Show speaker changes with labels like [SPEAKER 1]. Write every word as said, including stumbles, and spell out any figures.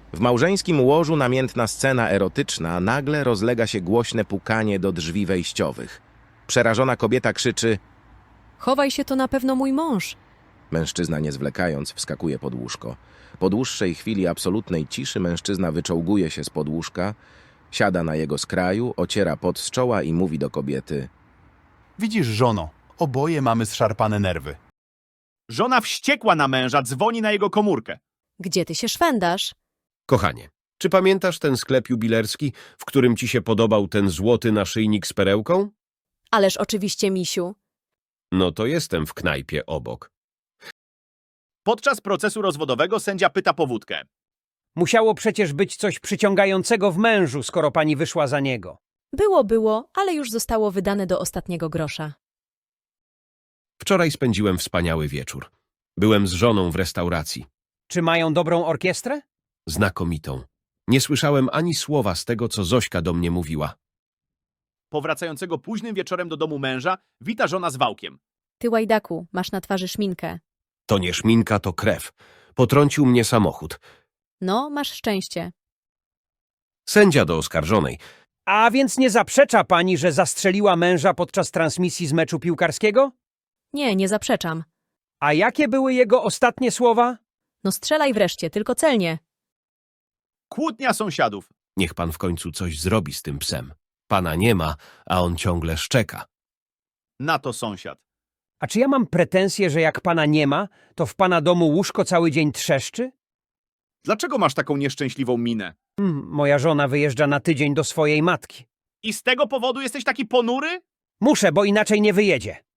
[SPEAKER 1] W małżeńskim łożu namiętna scena erotyczna, nagle rozlega się głośne pukanie do drzwi wejściowych. Przerażona kobieta krzyczy:
[SPEAKER 2] Chowaj się, to na pewno mój mąż.
[SPEAKER 1] Mężczyzna, nie zwlekając, wskakuje pod łóżko. Po dłuższej chwili absolutnej ciszy mężczyzna wyczołguje się spod łóżka, siada na jego skraju, ociera pot z czoła i mówi do kobiety:
[SPEAKER 3] Widzisz, żono, oboje mamy zszarpane nerwy.
[SPEAKER 4] Żona wściekła na męża, dzwoni na jego komórkę.
[SPEAKER 2] Gdzie ty się szwendasz?
[SPEAKER 5] Kochanie, czy pamiętasz ten sklep jubilerski, w którym ci się podobał ten złoty naszyjnik z perełką?
[SPEAKER 2] Ależ oczywiście, misiu.
[SPEAKER 5] No to jestem w knajpie obok.
[SPEAKER 4] Podczas procesu rozwodowego sędzia pyta powódkę.
[SPEAKER 6] Musiało przecież być coś przyciągającego w mężu, skoro pani wyszła za niego.
[SPEAKER 2] Było, było, ale już zostało wydane do ostatniego grosza.
[SPEAKER 5] Wczoraj spędziłem wspaniały wieczór. Byłem z żoną w restauracji.
[SPEAKER 6] Czy mają dobrą orkiestrę?
[SPEAKER 5] Znakomitą. Nie słyszałem ani słowa z tego, co Zośka do mnie mówiła.
[SPEAKER 4] Powracającego późnym wieczorem do domu męża wita żona z wałkiem.
[SPEAKER 2] Ty, łajdaku, masz na twarzy szminkę.
[SPEAKER 5] To nie szminka, to krew. Potrącił mnie samochód.
[SPEAKER 2] No, masz szczęście.
[SPEAKER 5] Sędzia do oskarżonej.
[SPEAKER 6] A więc nie zaprzecza pani, że zastrzeliła męża podczas transmisji z meczu piłkarskiego?
[SPEAKER 2] Nie, nie zaprzeczam.
[SPEAKER 6] A jakie były jego ostatnie słowa?
[SPEAKER 2] No strzelaj wreszcie, tylko celnie.
[SPEAKER 4] Kłótnia sąsiadów.
[SPEAKER 5] Niech pan w końcu coś zrobi z tym psem. Pana nie ma, a on ciągle szczeka.
[SPEAKER 4] Na to sąsiad.
[SPEAKER 6] A czy ja mam pretensje, że jak pana nie ma, to w pana domu łóżko cały dzień trzeszczy?
[SPEAKER 4] Dlaczego masz taką nieszczęśliwą minę?
[SPEAKER 6] Hmm, moja żona wyjeżdża na tydzień do swojej matki.
[SPEAKER 4] I z tego powodu jesteś taki ponury?
[SPEAKER 6] Muszę, bo inaczej nie wyjedzie.